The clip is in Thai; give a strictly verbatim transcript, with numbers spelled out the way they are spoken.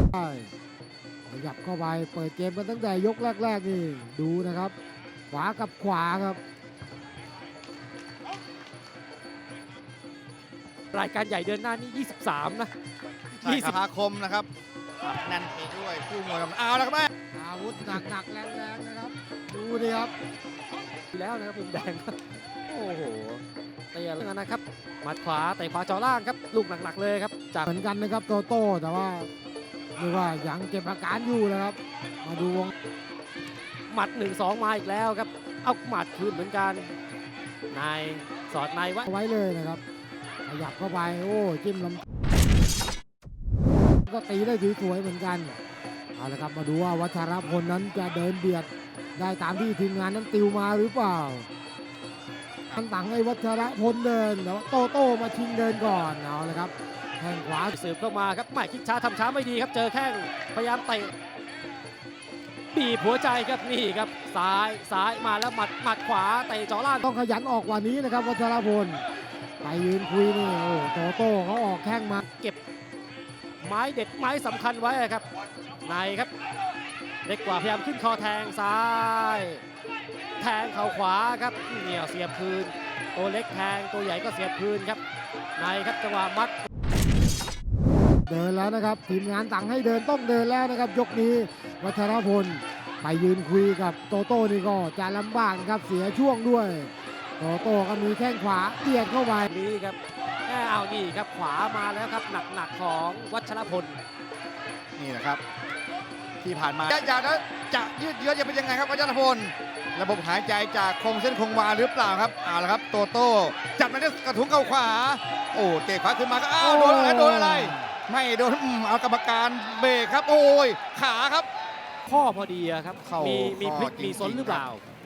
ใช่ขยับเข้าไปเปิดเกมกันตั้งแต่ยกแรกๆนี่ดูนะครับขวากับขวาครับรายการใหญ่เดือนหน้านี่ยี่สิบสามนะใช่ครับพาคมนะครับแน่นไปด้วยคู่มวยครับเอาแล้วครับแม่อาวุธหนักๆแรงๆนะครับดูดิครับแล้วนะครับมุมแดงครับโอ้โหเตะแล้วนะครับหมัดขวาเตะขวาจ่อล่างครับลูกหนักๆเลยครับจากเหมือนกันนะครับโตโต้แต่ว่าเรียกว่ายังเก็บอาการอยู่นะครับมาดูวงหมัดหนึ่งสองมาอีกแล้วครับเอาหมัดคืนเหมือนกันนายสอดนายไว้ไว้เลยนะครับขยับเข้าไปโอ้จิ้มลำก็ตีได้สวยๆเหมือนกันเอาละครับมาดูว่าวัชรพลนั้นจะเดินเบียดได้ตามที่ทีมงานนั้นติวมาหรือเปล่าทันตังให้วัชรพลเดินแต่ว่าโตโต้มาชิงเดินก่อนเอาละครับแข้งขวาสืบเข้ามาครับไม่คิดช้าทำช้าไม่ดีครับเจอแข้งพยายามเตะบีบหัวใจครับนี่ครับซ้ายซ้ายมาแล้วหมัดหมัดขวาเตะจ่อล่างต้องขยันออกกว่านี้นะครับวัชรพลไปยืนคุยนี่โอ้โตโต้เขาออกแข้งมาเก็บไม้เด็ดไม้สำคัญไว้ครับในครับเล็กกว่าพยายามขึ้นคอแทงซ้าย แทงเข่าขวาครับเหนี่ยวเสียบคืนตัวเล็กแทงตัวใหญ่ก็เสียบคืนครับในครับจังหวะมัดเดินแล้วนะครับทีมงานสั่งให้เดินต้องเดินแล้วนะครับยกนี้วัชรพลไปยืนคุยกับโตโต้นี่ก็จะลำบากนะครับเสียช่วงด้วยโตโต้ก็มีแข้งขวาเตียดเข้าไปนี้ครับแม่เอานี่ครับขวามาแล้วครับหนักๆของวัชรพลนี่นะครับ ที่ผ่านมาอยากแล้วจะยืดเยื้อจะเป็นยังไงครับวัชรพลระบบหายใจจากคงเส้นคงวาหรือเปล่าครับเอาละครับโตโต้จับมาด้วยกระทุ้งเข่าขวาโอ้เตะขวาขึ้นมาก็อ้าวโดนอะไรโดนอะไร ไม่โดนอืมเอากรรมการเบรกครับโอ้ยขาครับข้อพอดีอะครับเข้ามีมีมีข้อพลิกจริงๆมีซนหรือเปล่าครับ